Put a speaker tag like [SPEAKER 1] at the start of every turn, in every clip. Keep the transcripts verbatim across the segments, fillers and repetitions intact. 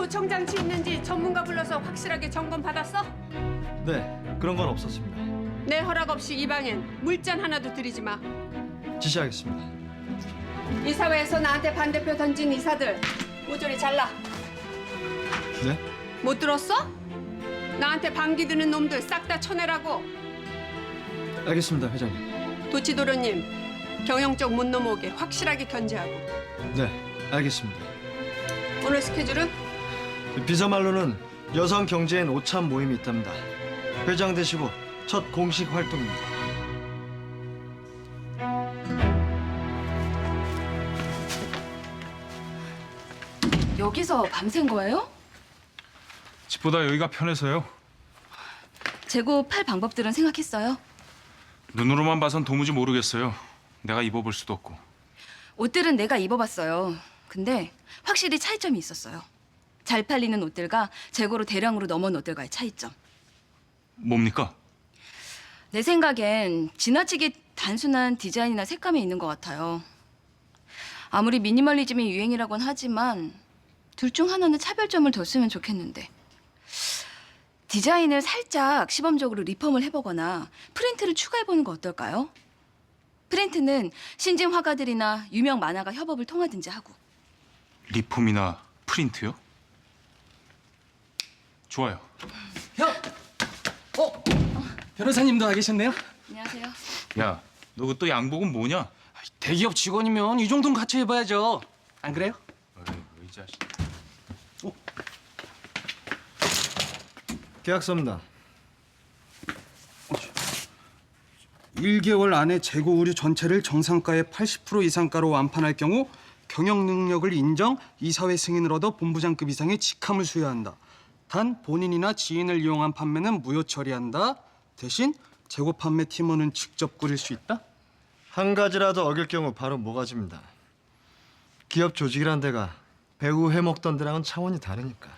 [SPEAKER 1] 도청 장치 있는지 전문가 불러서 확실하게 점검 받았어?
[SPEAKER 2] 네, 그런 건 없었습니다.
[SPEAKER 1] 내 허락 없이 이 방엔 물잔 하나도 들이지 마.
[SPEAKER 2] 지시하겠습니다.
[SPEAKER 1] 이사회에서 나한테 반대표 던진 이사들 모조리 잘라.
[SPEAKER 2] 네?
[SPEAKER 1] 못 들었어? 나한테 반기 드는 놈들 싹 다 쳐내라고.
[SPEAKER 2] 알겠습니다, 회장님.
[SPEAKER 1] 도치도련님, 경영적 못 넘어오게 확실하게 견제하고.
[SPEAKER 2] 네, 알겠습니다.
[SPEAKER 1] 오늘 스케줄은?
[SPEAKER 2] 비서말로는 여성 경제인 오참 모임이 있답니다. 회장 되시고 첫 공식 활동입니다.
[SPEAKER 3] 여기서 밤샌 거예요?
[SPEAKER 4] 집보다 여기가 편해서요.
[SPEAKER 3] 재고 팔 방법들은 생각했어요?
[SPEAKER 4] 눈으로만 봐선 도무지 모르겠어요. 내가 입어볼 수도 없고.
[SPEAKER 3] 옷들은 내가 입어봤어요. 근데 확실히 차이점이 있었어요. 잘 팔리는 옷들과 재고로 대량으로 넘어온 옷들과의 차이점.
[SPEAKER 4] 뭡니까?
[SPEAKER 3] 내 생각엔 지나치게 단순한 디자인이나 색감이 있는 것 같아요. 아무리 미니멀리즘이 유행이라곤 하지만 둘 중 하나는 차별점을 뒀으면 좋겠는데. 디자인을 살짝 시범적으로 리폼을 해보거나 프린트를 추가해보는 거 어떨까요? 프린트는 신진 화가들이나 유명 만화가 협업을 통하든지 하고.
[SPEAKER 4] 리폼이나 프린트요? 좋아요.
[SPEAKER 5] 형! 어? 변호사님도 와 계셨네요?
[SPEAKER 3] 안녕하세요.
[SPEAKER 4] 야, 너 그 또 양복은 뭐냐?
[SPEAKER 5] 대기업 직원이면 이 정도는 같이 해봐야죠. 안 그래요?
[SPEAKER 4] 어이, 이 자식.
[SPEAKER 2] 계약서입니다.
[SPEAKER 6] 일 개월 안에 재고 의류 전체를 정상가의 팔십 퍼센트 이상가로 완판할 경우 경영 능력을 인정, 이사회 승인을 얻어 본부장급 이상의 직함을 수여한다. 단 본인이나 지인을 이용한 판매는 무효 처리한다. 대신 재고 판매 팀원은 직접 꾸릴 수 있다.
[SPEAKER 2] 한 가지라도 어길 경우 바로 모가지입니다. 기업 조직이란 데가 배우 해먹던 데랑은 차원이 다르니까.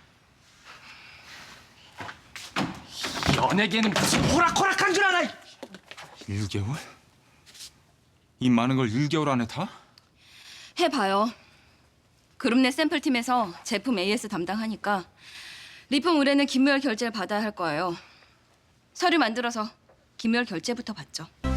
[SPEAKER 5] 연예계는 무슨 호락호락한 줄 알아!
[SPEAKER 4] 일 개월? 이 많은 걸 일 개월 안에 다?
[SPEAKER 3] 해봐요. 그룹 내 샘플팀에서 제품 에이에스 담당하니까 리폼 의뢰는 김무열 결제를 받아야 할 거예요. 서류 만들어서 김무열 결제부터 받죠.